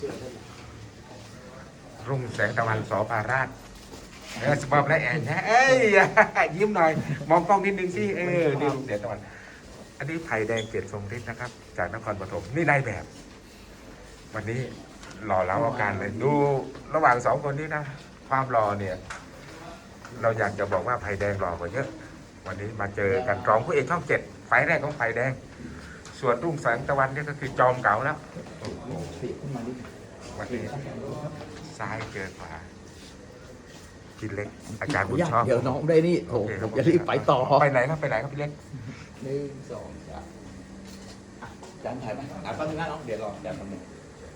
รุ่งแสงตะวันสภาราชสปอร์ตและแอนนะเอ้ยยิ้มหน่อยมองกล้องนิดนึงสินี่รุ่งแสงตะวันอันนี้ไผ่แดงเกียรติทรงฤทธิ์นะครับ จากนครปฐมนี่นายแบบ วันนี้หล่อเล้าอาการเลยดูระหว่างสองคนนี้นะความหล่อเนี่ย เราอยากจะบอกว่าไผ่แดงหล่อกว่าเยอะ วันนี้มาเจอกันรองผู้เอกช่อง7ไฟแรกของไผ่แดง ส่วนรุ่งแสงตะวันนี่ก็คือจอมเก่าแล้ววันนี้ซ้ายเจอขวาพี่เล็กอาจารย์บุญชอบเดี๋ยวน้องได้นี่โถผมจะรีบไปต่อไปไหนครับพี่เล็ก 1 2 3จานถ่ายไหมแป๊บนึงนะน้องเดี๋ยวรอจานทำหนึ่ง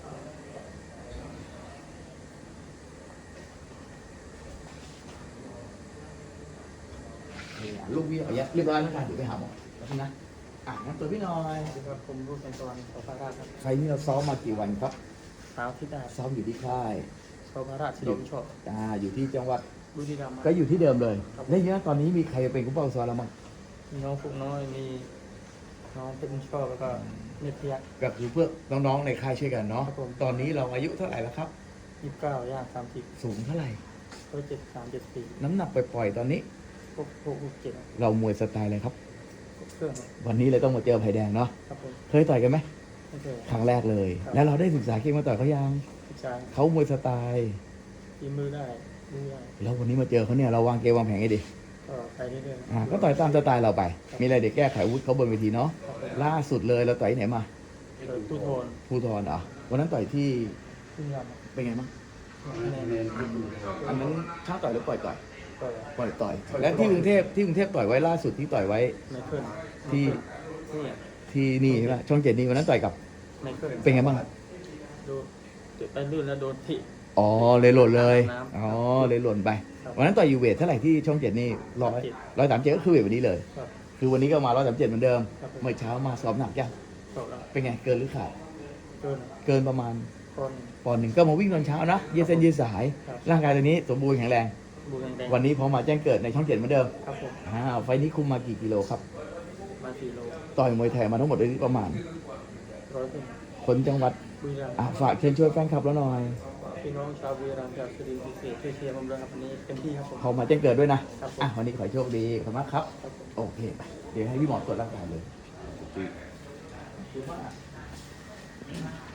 ลูกพี่เอาเรียบร้อยแล้วกันเดี๋ยวไปหาหมอแล้วนะงั้นตัวพี่หน่อยครับผมรุ่งแสงตะวันสภาราชครับไฟนี้เราซ้อมมากี่วันครับเช้าที่ได้ซ้อมอยู่ที่ค่ายสภาราชชิโดมชอบอยู่ที่จังหวัดบุรีรัมย์ก็อยู่ที่เดิมเลยแล้วเนี่ยตอนนี้มีใครเป็นผู้เป้าซ้อมแล้วมั้งมีน้องฟุกน้อยมีน้องเป็นชอบแล้วก็เนตรยักษ์ก็คือเพื่อน้องๆในค่ายช่วยกันเนาะตอนนี้เราอายุเท่าไหร่แล้วครับ 29ย่าง30 สูงเท่าไหร่ 173-74 น้ำหนักปล่อยๆตอนนี้ 667 เรามวยสไตล์อะไรครับเครื่องวันนี้เลยต้องมาเจอไผ่แดงเนาะเคยต่อยกันไหมครั้งแรกเลยแล้วเราได้ศึกษาเก่งมาต่อยเขายังเขามวยสไตล์ตีมือได้ดูได้แล้ววันนี้มาเจอเขาเนี่ยเราวางเกมวางแผนให้ดีก็ไปเรื่อยๆก็ต่อยตามสไตล์เราไปมีอะไรเดี๋ยวแก้ไขอาวุธเขาบนเวทีเนาะล่าสุดเลยเราต่อยไหนมาผู้ทนเหรอวันนั้นต่อยที่ขึ้นยำเป็นไงบ้างอันนั้นช่างต่อยหรือปล่อยต่อยแล้วที่กรุงเทพต่อยไว้ล่าสุดที่ต่อยไว้ที่นี่ใช่ไหมช่อง7นี่วันนั้นต่อยกับเป็นไงบ้างโดนไปลื่นแล้วโดนทิเลยหล่นเลยเลยหล่นไปวันนั้นต่อยอยู่เวทเท่าไหร่ที่ช่อง7นี่137ก็คือเวทวันนี้เลยคือวันนี้ก็มา137เหมือนเดิมเมื่อเช้ามาซ้อมหนักยังเป็นไงเกินหรือขาดเกินประมาณปอนด์ 1ก็มาวิ่งตอนเช้านะยืดเส้นยืดสายร่างกายตัวนี้สมบูรณ์แข็งแรงวันนี้พอมาแจ้งเกิดในช่อง7เหมือนเดิมไฟนี้คุมมากี่กิโลครับมา4 โลต่อยมวยไทยมาทั้งหมดได้ประมาณคนจังหวัดฝากเชิญช่วยแฟนคลับแล้วหน่อยพี่น้องชาวบุรีรัมย์จากสุรินทร์พิเศษช่วยเชียร์ผมด้วยครับวันนี้เต็มที่ครับผมพอมาแจ้งเกิดด้วยนะวันนี้ขอให้โชคดีขอบคุณมากครับโอเคเดี๋ยวให้พี่หมอตรวจร่างกายเลย